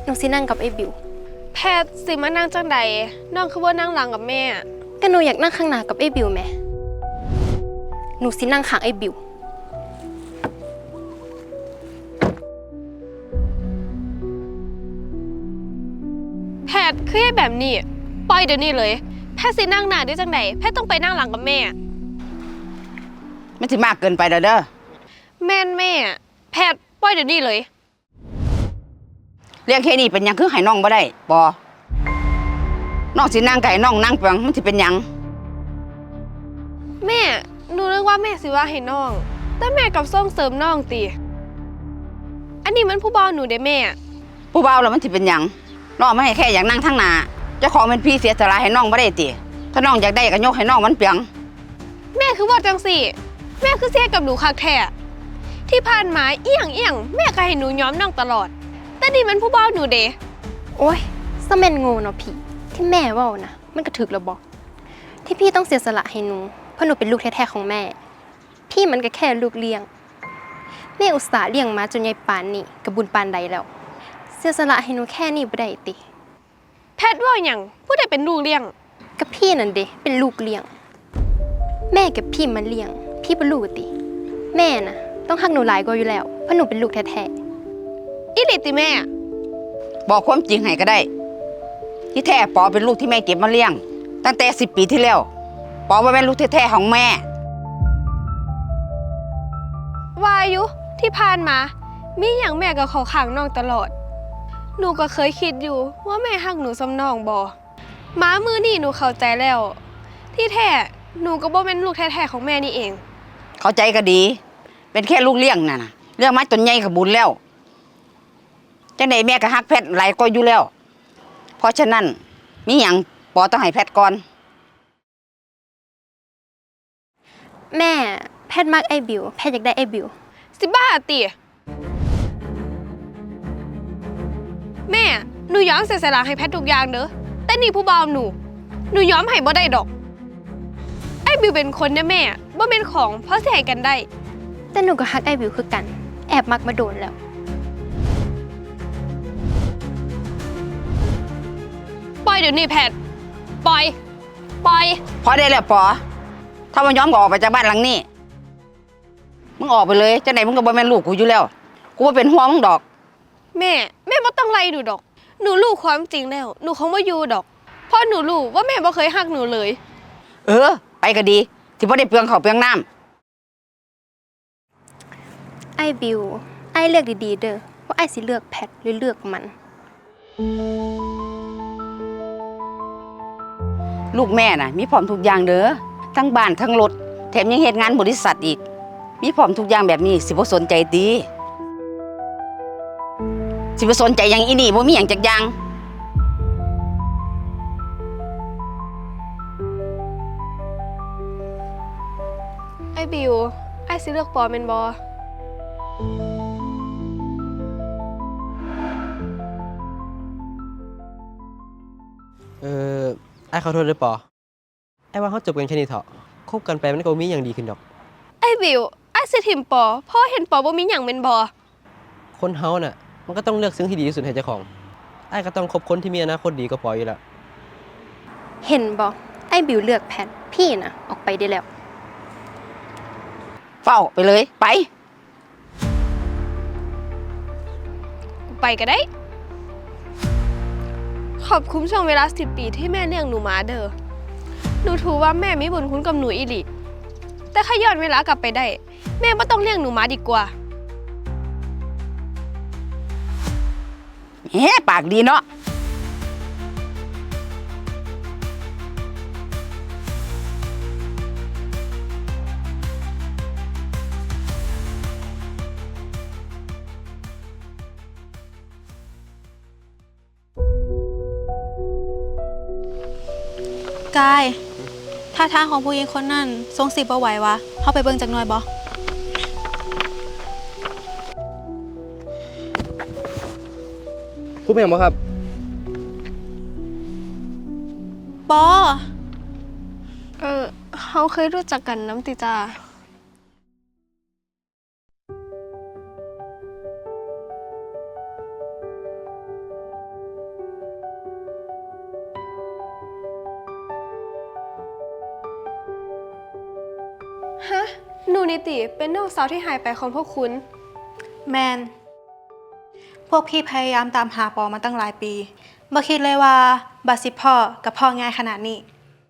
หนูสินั่งกับไอ้บิวแพทย์สิมานั่งจังใดน้องคือว่านั่งหลังกับแม่ก็หนูอยากนั่งข้างหน้ากับไอ้บิวแม่หนูสินั่งข้างไอ้บิวแพทย์คือให้แบบนี้ปล่อยเดี๋ยวนี้เลยแพทย์สินั่งหน้าได้จังใดแพทย์ต้องไปนั่งหลังกับแม่มันสิมากเกินไปเด้อแม่แพทย์ปล่อยเดี๋ยวนี้เลยเรื่องแค่นี้เป็นหยังคือให้น้องบ่ได้บ่น้องสินั่งไก่น้องนั่งเปียงมันสิเป็นหยังแม่หนูนึกว่าแม่สิว่าให้น้องแต่แม่กับส่งเสริมน้องติอันนี้มันผู้บ่าวหนูเด้แม่ผู้บ่าวแล้วมันสิเป็นหยังน้องไม่ให้แค่อยากนั่งทั้งหน้าเจ้าของเป็นพี่เสียสละให้น้องบ่ได้ติถ้าน้องอยากได้ก็ยกให้น้องมันเปียงแม่คือว่าจังสิแม่คือเสียกับหนูคักแท้ที่ผ่านมาเอียงแม่ก็ให้หนูย้อมน้องตลอดแต่นี่มันผู้บ่าวหนูเด้โอ๊ยซะแม่นโง่เนาะพี่ที่แม่เว้านะมันก็ถึกแล้วบ่ที่พี่ต้องเสียสละให้หนูเพราะหนูเป็นลูกแท้ๆของแม่พี่มันก็แค่ลูกเลี้ยงแม่อุตส่าห์เลี้ยงมาจนใหญ่ปานนี้ก็บุญปานใดแล้วเสียสละให้หนูแค่นี้บ่ได้ติแพทย์ว่าหยังผู้ใดเป็นลูกเลี้ยงก็พี่นั่นเด้เป็นลูกเลี้ยงแม่กับพี่มันเลี้ยงพี่บ่รู้ติแม่น่ะต้องฮักหนูหลายกว่าอยู่แล้วเพราะหนูเป็นลูกแท้อีหลีติแม่บอกความจริงให้ก็ได้ที่แท้ปอเป็นลูกที่แม่เก็บมาเลี้ยงตั้งแต่10 ปีที่แล้วปอว่าเป็นลูกแท้ๆของแม่วายุที่ผ่านมามีหยังแม่ก็เข้าข้างน้องตลอดหนูก็เคยคิดอยู่ว่าแม่ฮักหนูซ้ำน้องบ่ม้ามือนี่หนูเข้าใจแล้วที่แท้หนูก็บ่เป็นลูกแท้ๆของแม่นี่เองเข้าใจก็ดีเป็นแค่ลูกเลี้ยงน่ะนะเรื่องมาจนใหญ่ก็บุญแล้วจังได๋แม่ก็ฮักแพทย์หลายกว่าอยู่แล้วเพราะฉะนั้นมีหยังปอต้องให้แพทย์ก่อนแม่แพทย์มักไอ้บิวแพทย์อยากได้ไอ้บิวสิบ้าติแม่หนูยอมเสียสละให้แพทย์ทุกอย่างเด้อแต่นี่ผู้บ่าวหนูยอมให้บ่ได้ดอกไอ้บิวเป็นคนนะแม่บ่เป็นของเพราะสิให้กันได้แต่หนูก็ฮักไอ้บิวคือกันแอบมักมาโดนแล้วปล่อยเดี๋ยวนี้แพทย์ปล่อยพอได้แล้วปอถ้ามันยอมก็ออกไปจากบ้านหลังนี้มึงออกไปเลยจังได๋มึงก็บ่แม่นลูกกูอยู่แล้วกูบ่เป็นห่วงมึงดอกแม่บ่ต้องไล่หนูดอกหนูรู้ความจริงแล้วหนูคงบ่อยู่ดอกเพราะหนูรู้ว่าแม่บ่เคยฮักหนูเลยไปก็ดีสิบ่ได้เปลืองข้าวเปลืองน้ำไอ้บิวไอ้เลือกดีๆเด้อว่าไอ้สิเลือกแพทหรือเลือกมันลูกแม่น่ะมีพร้อมทุกอย่างเด้อทั้งบ้านทั้งรถแถมยังเฮ็ดงานบริษัทอีกมีพร้อมทุกอย่างแบบนี้สิบ่สนใจติสิบ่สนใจหยังอีนี่บ่มีหยังจักอย่างไอ้บิวไอ้สิเลือกปอแม่นบ่ไอ้ขอโทษด้วยปอไอ้ว่าเขาจบกันแค่นี้เถอะคบกันไปมันก็มีอย่างดีขึ้นดอกไอ้บิวไอ้สิถิ่มปอเพราะเห็นปอบ่มีหยังแม่นบ่คนเฮาน่ะมันก็ต้องเลือกสิ่งที่ดีที่สุดให้เจ้าของไอ้ก็ต้องคบคนที่มีอนาคตดีก็ปออยู่แล้วเห็นบ่ไอ้บิวเลือกแพทพี่น่ะออกไปได้แล้วเฝ้าไปเลยไปก็ได้ขอบคุณช่วงเวลา10 ปีที่แม่เลี้ยงหนูมาเด้อหนูถือว่าแม่มีบุญคุณกับหนูอีหลีแต่ถ้าย้อนเวลากลับไปได้แม่บ่ต้องเลี้ยงหนูมาดีกว่าปากดีเนาะกายท่าทางของผู้หญิงคนนั้นทรงสิบ่ไหววะเข้าไปเบิ่งจักหน่อยบ่พูดเป็นหยังบ่ครับปอเขาเคยรู้จักกันน้ำติจ้าฮะ หนูนิติเป็นน้องสาวที่หายไปของพวกคุณแมน พวกพี่พยายามตามหาปอมาตั้งหลายปีบ่คิดเลยว่าบัดสิพ่อกับพ่อง่ายขนาดนี้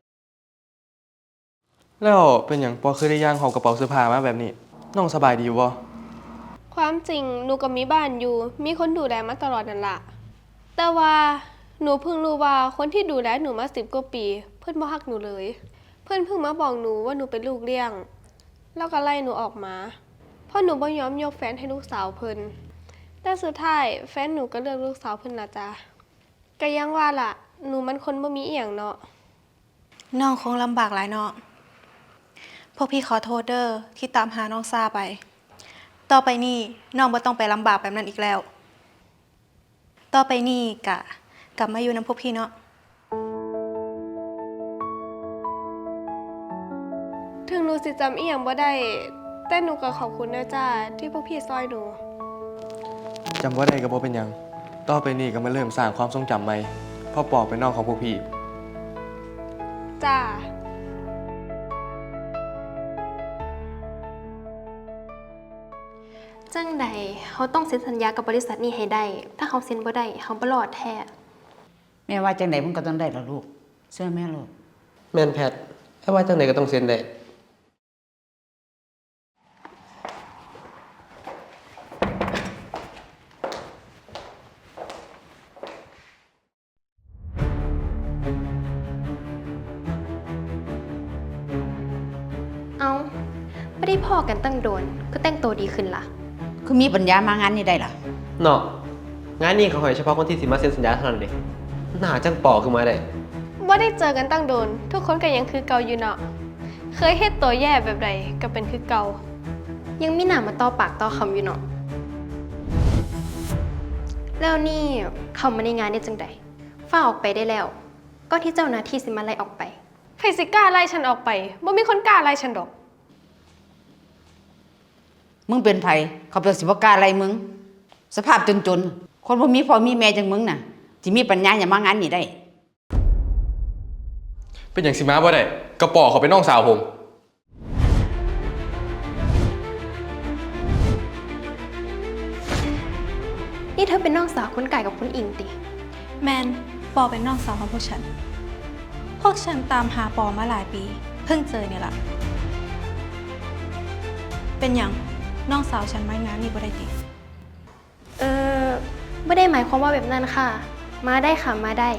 แล้วเป็นอย่างปอคือได้ย่างหอบกระเป๋าเสื้อผ้ามาแบบนี้ น้องสบายดีอยู่บ่ความจริงหนูก็มีบ้านอยู่ มีคนดูแลมาตลอดนั่นละแต่ว่าหนูเพิ่งรู้ว่าคนที่ดูแลหนูมา10 กว่าปี เพื่อนบ่ฮักหนูเลย เพื่อนเพิ่งมาบอกหนูว่าหนูเป็นลูกเลี้ยง แล้วก็ไล่หนูออกมาเพราะหนูบ่ยอมยกแฟนให้ลูกสาวเพิ่นแต่สุดท้ายแฟนหนูก็เลือกลูกสาวเพิ่นนะจ๊ะก็ยังว่าล่ะ หนูมันคนบ่มีอีหยังเนาะน้องคงลำบากหลายเนาะพวกพี่ขอโทษเด้อที่ตามหาน้องซาไป ต่อไปนี่น้องบ่ต้องไปลำบากแบบนั้นอีกแล้ว ต่อไปนี่กลับมาอยู่นำพวกพี่เนาะถึงหนูสิจำอีหยังบ่ได้ แต่หนูก็ขอบคุณนะจ้าที่พวกพี่ซอยหนูจำว่าได้ก็บ่เป็นหยัง ต่อไปนี้ก็มาเริ่มสร้างความทรงจำใหม่พ่อปอเป็นน้องของพวกพี่จ้าจังใดเขาต้องเซ็นสัญญากับบริษัทนี้ให้ได้ ถ้าเขาเซ็นบ่ได้เขาบ่รอดแท้แม่ว่าจังไดมันก็ต้องได้ละลูกเชื่อแม่ลูกแมนแพทไอ้ว่าจังไหนก็ต้องเซ็นได้เอาไม่ได้พอกันตั้งโดน ก็แต่งตัวดีขึ้นล่ะคือมีปัญญามางานนี้ได้ล่ะเนาะงานนี้เขาให้เฉพาะคนที่สิมาเซ็นสัญญาเท่านั้นเด้หน้าจังปอขึ้นมาได้ว่าได้เจอกันตั้งโดน ทุกคนก็ยังคือเก่าอยู่เนาะ เคยเฮ็ดตัวแย่แบบใดก็เป็นคือเก่ายังมีหนามาต่อปากต่อคำอยู่เนาะแล้วนี่เขามาในงานได้จังใดฝ้าออกไปได้แล้วก็ที่เจ้าหน้าที่สิมาไล่ออกไปใครสิกล้าไล่ฉันออกไปบ่มีคนกล้าไล่ฉันดอกมึงเป็นไผเขาเป็นสิบกล้าอะไรมึง สภาพจนๆ คนบ่มีพ่อมีแม่จังมึงน่ะที่มีปัญญาอย่ามางานนี้ได้เป็นอย่างสิมาบ่ได้กระป๋อเขาเป็นน้องสาวผมนี่เธอเป็นน้องสาวคุณไก่กับคุณอิงติแมนปอเป็นน้องสาวของพวกฉัน พวกฉันตามหาปอมาหลายปี เพิ่งเจอเนี่ยล่ะ เป็นอย่างน้องสาวฉันมางานนี่บ่ได้ติไม่ได้หมายความว่าแบบนั้นค่ะ มาได้ค่ะมาได้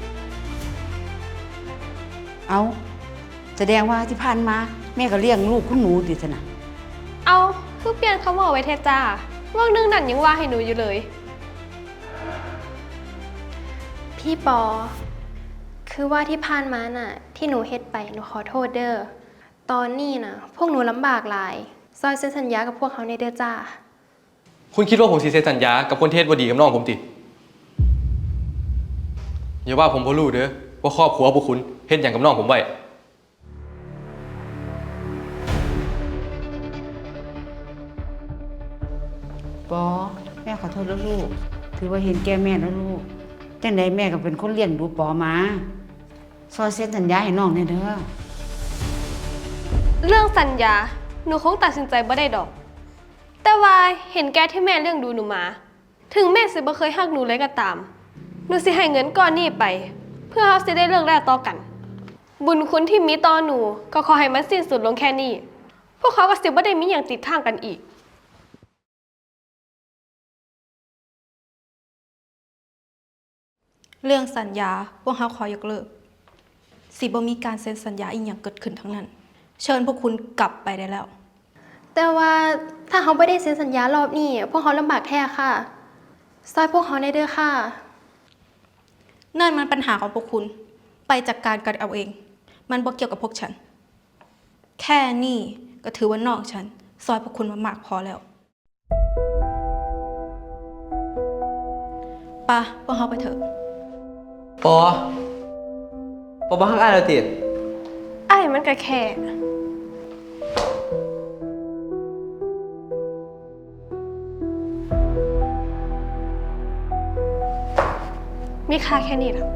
เอาแสดงว่าที่ผ่านมาแม่ก็เลี้ยงลูกคุณหนูดิซะนะเอาคือเปลี่ยนคำว่าไว้เทจ้าว่างนึงนั่นยังว่าให้หนูอยู่เลยพี่ปอ คือว่าที่ผ่านมาน่ะ ที่หนูเฮ็ดไปหนูขอโทษเด้อ ตอนนี้น่ะ พวกหนูลำบากหลาย ซอยเซ็นสัญญากับพวกเขาในเด้อจ้าคุณคิดว่าผมสิเซ็นสัญญากับคนเทศบ่ดีกับน้องผมติอย่าว่าผมบ่รู้เด้อว่าครอบครัวพวกคุณเฮ็ดหยังกับน้องผมไว้ปอแม่ขอโทษแล้วลูก ถือว่าเห็นแก่แม่แล้วลูกจังใดแม่ก็เป็นคนเลี้ยงดูปอมาซอยเซ็นสัญญาให้น้องแน่เด้อเรื่องสัญญา หนูคงตัดสินใจบ่ได้ดอก แต่ว่าเห็นแกที่แม่เรื่องดูหนูมา ถึงแม่สิบ่เคยฮักหนูเลยก็ตาม หนูสิให้เงินก้อนนี้ไป เพื่อเขาสิได้เลิกแล้วต่อกัน บุญคุณที่มีต่อหนูก็ขอให้มันสิ้นสุดลงแค่นี้ พวกเขาก็สิบ่ได้มีอย่างติดข้างกันอีกเรื่องสัญญาพวกเขาขอยกเลิกสิบ่มีการเซ็นสัญญาอีกอย่างเกิดขึ้นทั้งนั้น เชิญพวกคุณกลับไปได้แล้วแต่ว่าถ้าเขาไม่ได้เซ็นสัญญารอบนี้ พวกเขาลำบากแท้ค่ะ ซอยพวกเขาในเด้อค่ะนั่นมันปัญหาของพวกคุณ ไปจัดการกันเอาเอง มันบ่เกี่ยวกับพวกฉัน แค่นี้ก็ถือว่านอกฉัน ซอยพวกคุณมามากพอแล้วปะพวกเขาไปเถอะปอบ่ฮักอ้ายแล้วติไอ้มันก็แค่ มีค่าแค่นี้แหละ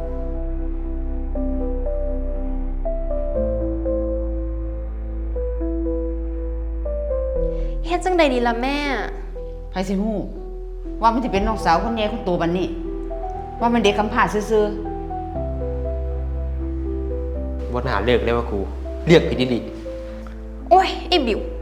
เฮ็ดจังใดดีล่ะแม่ไผสิฮู้ว่ามันสิเป็นน้องสาวคนใหญ่คนโตบัดนี้ ว่ามันเด็กกำพร้าซื่อบ่น่าเลิกเลยว่าครูเลือกผิดดีโอ้ย ไอ้บิว